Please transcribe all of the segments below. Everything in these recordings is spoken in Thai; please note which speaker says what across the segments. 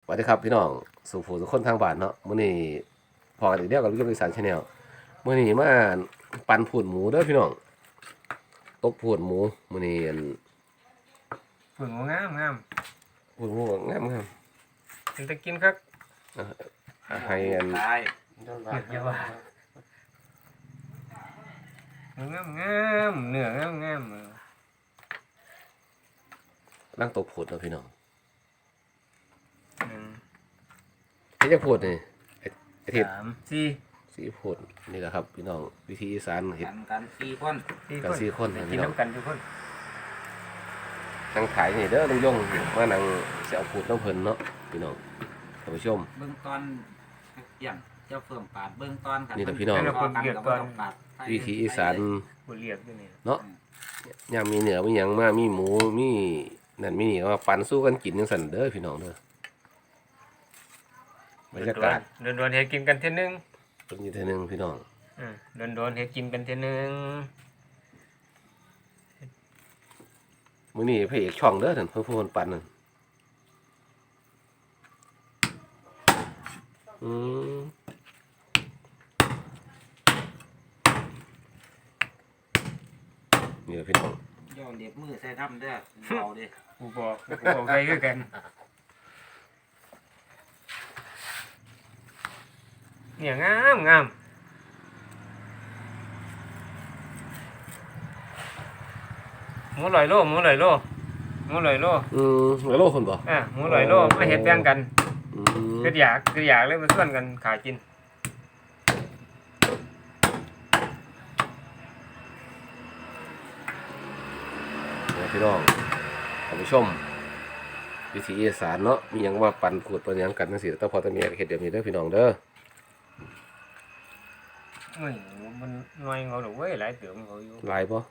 Speaker 1: สวัสดีครับพี่น้องสู่ผู้สุขคนทางบ้านเนาะมื้อนี้พอกันอีกเดียวกับลูกอีสานชาแนลมื้อนี้มาปั่นผูดหมูเด้อพี่น้องตกผูดหมูมื้อนี้
Speaker 2: ผงงามงาม
Speaker 1: ผูดหมูงาม
Speaker 2: เป็นตะกินครับ
Speaker 1: ให้
Speaker 2: ตายเยาว่าเนื้องามเนื้องามงาม
Speaker 1: นั่งตกผูดเนาะพี่น้องไอ้จะผูดนี่ไอ้ทิศสีผูดนี่แหละครับพี่น้องวิธีอีสานเฮ็ด
Speaker 3: กัน4 คน
Speaker 1: กัน4 คน
Speaker 2: กิน
Speaker 1: พี่น้อง
Speaker 2: น้ำกันทุกคน
Speaker 1: นั่งขายนี่เด้อลุงยงมานั่งสิเอาผูดน้ำเพิ่นเนาะพี่น้องท่านผู้ชม
Speaker 3: เบื้องต้นอย่างเจ้าเพิ่มปาดเบื้องต้นกัน
Speaker 1: นี่แหละพี่น้องวิธีอีสานเนาะยามมีเนื้อมีหยังมามีหมูมีนั่นมีนี่มาปั่นสู้กันกินจังซั่นเด้อพี่น้องเด้อบรรยากาศ
Speaker 2: โดนๆเฮ็ดกินกันเท่นึง
Speaker 1: ตรงนี้เท่นึงพี่น้อง
Speaker 2: โดนๆเฮ็ดกินกันเท่นึง
Speaker 1: มื้อนี้พระเอกช่องเด้อท่านเพิ่นผู้คนปั่นนั่นนี่พี่น้อง
Speaker 3: ย่อเล็บมือใส่ทำเด้อเอาเด้อ
Speaker 2: กูบอกไปคือกันเนี่ยงามหมูลอยโล
Speaker 1: หมูลอยโลคนบ่
Speaker 2: หมูลอยโลมาเฮ็ดแบ่งกันคืออยากเลยมาส่วนกันขายกิน
Speaker 1: พี่น้องท่านผู้ชมวิธีอีสานเนาะมีหยังว่าปั่นขูดปั่นหยังกันจังซี่แต่พอตะเมียเฮ็ดเดี๋ยวนี้เด้อพี่น้องเด้อ
Speaker 2: มันน้อยเขาดอกเว้ยหลายเติมเขาอยู่
Speaker 1: หลายบ่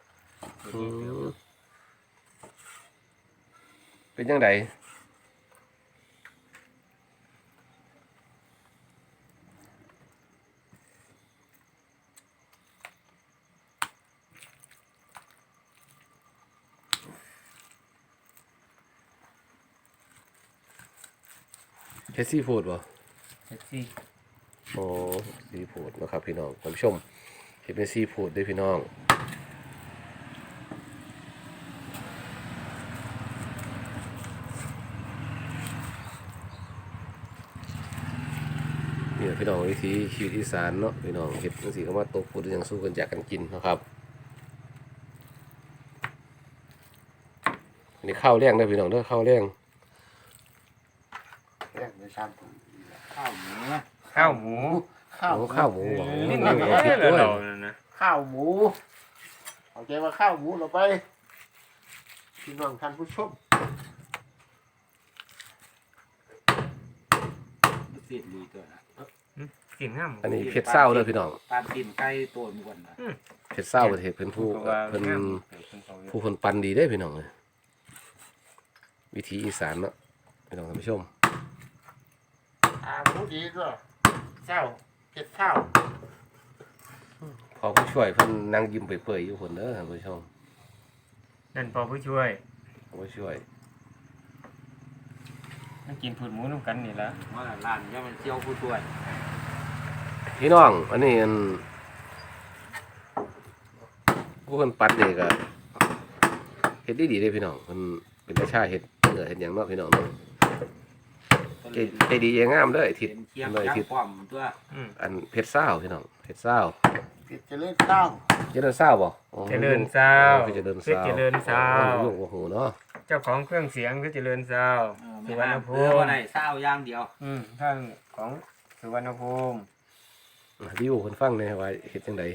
Speaker 1: เป็นจังไดเฮ็ดซีฟู้ดบ่
Speaker 2: เฮ็ดซี่
Speaker 1: โอ้ซีฟู้ดนะครับพี่น้องท่านผู้ชมเฮ็ดเป็นซีฟู้ดด้วยพี่น้องนี่พี่น้องวิธีชีวิตอีสานเนาะพี่น้องเฮ็ดจังซี่ก็มาตกพูดอย่างสู้กันจากกันกินนะครับนี่ข้าวแรงเด้อพี่น้องเด้อข้าวแรง
Speaker 3: ไม่ทราบข้าวหมู
Speaker 1: นี่นั่งเอาผิดด้วย
Speaker 3: ข้าวหมูเอาใจว่าข้าวหมูเราไปพี่น้องท่านผู้ชมเสียดีตัวนะ
Speaker 2: กินงาม
Speaker 1: อันนี้เผ็ดเศร้าเลยพี่น้อง
Speaker 3: ปานตีนไก่ตัวมวนนะ
Speaker 1: เผ็ดเศร้าประเทศเพิ่นผู้คนปั่นดีได้พี่น้องเลยวิธีอีสานเนาะพี่น้องท่านผู้ชม
Speaker 3: หมูดีด้วยเศร้าเผ็ดเศร้า
Speaker 1: พอผู้ช่วยเพิ่นนั่งยิ้มเปื่อยๆอยู่คนเด้อท่านผู้ชม
Speaker 2: นั่นพอผู้ช่วย
Speaker 1: ผู้ช่วย
Speaker 2: มันกินผืดหมูน้ำกันนี่ละ
Speaker 3: ว่าร้านเนี่ยมันเจียวผู้ช่วย
Speaker 1: พี่น้องอันนี้ผู้คนปั่นนี่ก็เฮ็ดดีๆเลยพี่น้องมันเป็นราชาเฮ็ดเนื้อเฮ็ดหยังเนาะพี่น้องเนาะใจดีงามเด้อทิศเลยทิศอันเพชรเศร้าพี่น้องเพชรเศร้า
Speaker 3: เจริญเศร้า
Speaker 1: เจริญเศร้าบ่
Speaker 2: เจริญเศร้า
Speaker 1: เจริญเศร้าลูกโอ้โหเนาะ
Speaker 2: เจ้าของเครื่องเสียงคือเจริญเศร้า
Speaker 3: สุวรรณภูมิวันไหนเศร้าอย่างเดียว
Speaker 2: ท่านของสุวรรณภูมิ
Speaker 1: วิวคนฟังเนี่ยว่าเฮ็ดจังได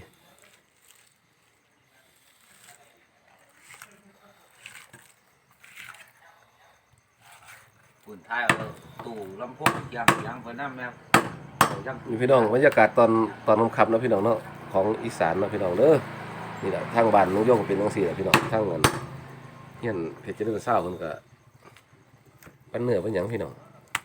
Speaker 3: ปุ่นท้ายตู่ลำโพงเทียมยังเพิ่นนำแม่
Speaker 1: มีพี่น้องบรรยากาศตอนค่ำๆเนาะพี่น้องเนาะของอีสานเนาะพี่น้องเด้อนี่แหละทางบ้านน้องโยงเป็นจังซี่แหละพี่น้องทางนั้นเฮียนเพชรเจริญเศร้าเพิ่นก็ปันเนื้อปันหยังพี่น้อง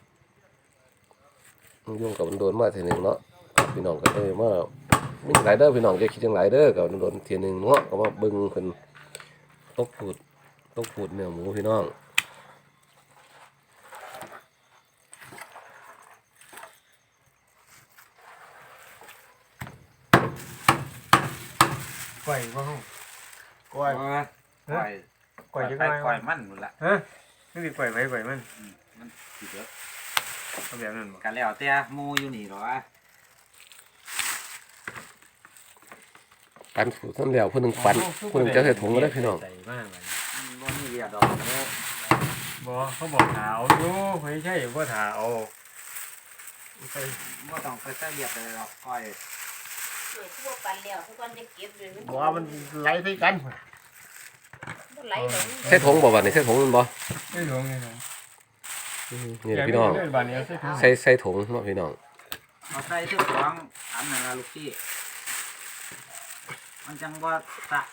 Speaker 1: น้องโยงก็โดนมาเทื่อนึงเนาะพี่น้องก็เลยมามีหลายเด้อพี่น้องจะคิดจังหลายเด้อก็โดนเทื่อนึงเนาะก็มาเบิ่งเพิ่นตกพูดเนื้อหมูพี่น้อง
Speaker 2: ก้อยบ่ห้อง
Speaker 3: ก้อย
Speaker 4: ก้อย
Speaker 2: ก้อยจัง
Speaker 4: ไป
Speaker 2: ไง
Speaker 4: ก้อยมันหมดละ
Speaker 2: ฮะนี่สิก้อยไผก้อยมัน
Speaker 4: มันสิเด้อ
Speaker 2: เอาแบบนั้นบ่
Speaker 4: กันแล้วแต่หมูอยู่นี่หรอวะ
Speaker 1: ปั่นสูตรนั้นแล้วผู้หนึงปั่นผู้หนึงจะใส่ถุงก็ได้พี่น้อง
Speaker 2: ใส่มากบัดนี้
Speaker 4: บ่มีเรียดดอกเนาะ
Speaker 2: บ่เขาบอกถาเอาอยู่ไม่ใช่บ่ถาเอาใส่
Speaker 4: บ่ต้องไปใส่เรียดเลยหรอกก้อย
Speaker 5: เกิดทั่วปันแล้วทุกคนจะเก็บเลย
Speaker 3: บอกว่ามันไหลใส่กัน
Speaker 5: มันไหลลง
Speaker 1: ใส่ถุงบ่บัดนี้ใส่ถุงมันบ่
Speaker 2: ใส่ถุงนี่นะ
Speaker 1: นี่แหละพี่น้อง
Speaker 2: เดี๋ยวบัดนี้เอาใส่ถุง
Speaker 1: ใส่ถุงเนาะพี่น้อง
Speaker 4: เอาใส่ทุกของอันนั้นละลูกพี่มันจังบ่ตะ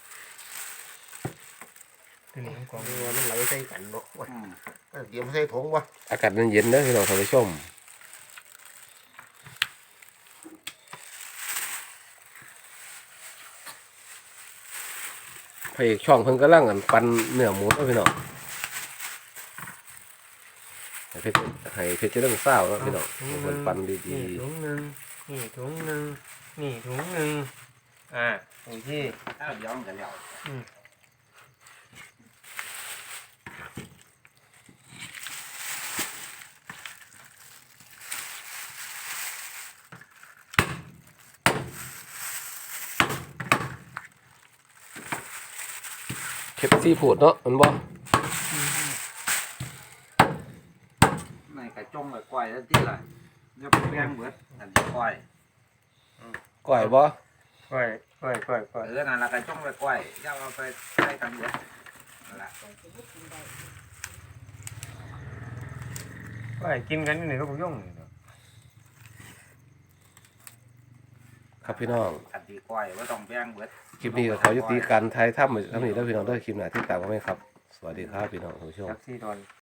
Speaker 2: ตัวนี้ของ
Speaker 3: มันไหลใส่กันเนาะ
Speaker 4: อืม
Speaker 3: เดี๋ยวใส่ถุงวะ
Speaker 1: อากาศมันเย็นเด้อพี่น้องท่านผู้ชมพระเอกช่องเพิ่นกำลังปั่นเนื้อหมูเนาะพี่น้องให้เพชรจะเรื่องเศร้าเนาะพี่น้องเพิ่นปั่นดี
Speaker 2: นี่ถุงหนึงนี่ถุงหนึงนี่ถุงหนึงโอเค
Speaker 4: ถ้าย้อมกันแล้ว
Speaker 1: ๆเค็ดซีฟู้ดเนาะมันบ่
Speaker 4: ในกระจงกับก้อยแล้วที่ล่ะอย่าไปแบ่งเบิดอันที่ก้อย
Speaker 1: ก้อยบ่
Speaker 2: ก้อย
Speaker 4: นั่นละกระจงกับก้อยอย่าเอาไปใส่กันเบิดนั่นล่ะ
Speaker 2: ก้อยกินกันอยู่นี่ก็บ่ยุ่งนี่เนาะ
Speaker 1: ครับพี่น้อง
Speaker 4: อันที่ก้อยว่าต้องแบ่งเบิด
Speaker 1: คลิปนี้ก็ขอยุติการถ่ายทำไว้เท่านี้แล้วพี่น้องเด้อคลิปหน้าที่ตามมาไหมครับ สวัสดีครับพี่น้องท่านผู้ชม
Speaker 2: จักซี่ดอน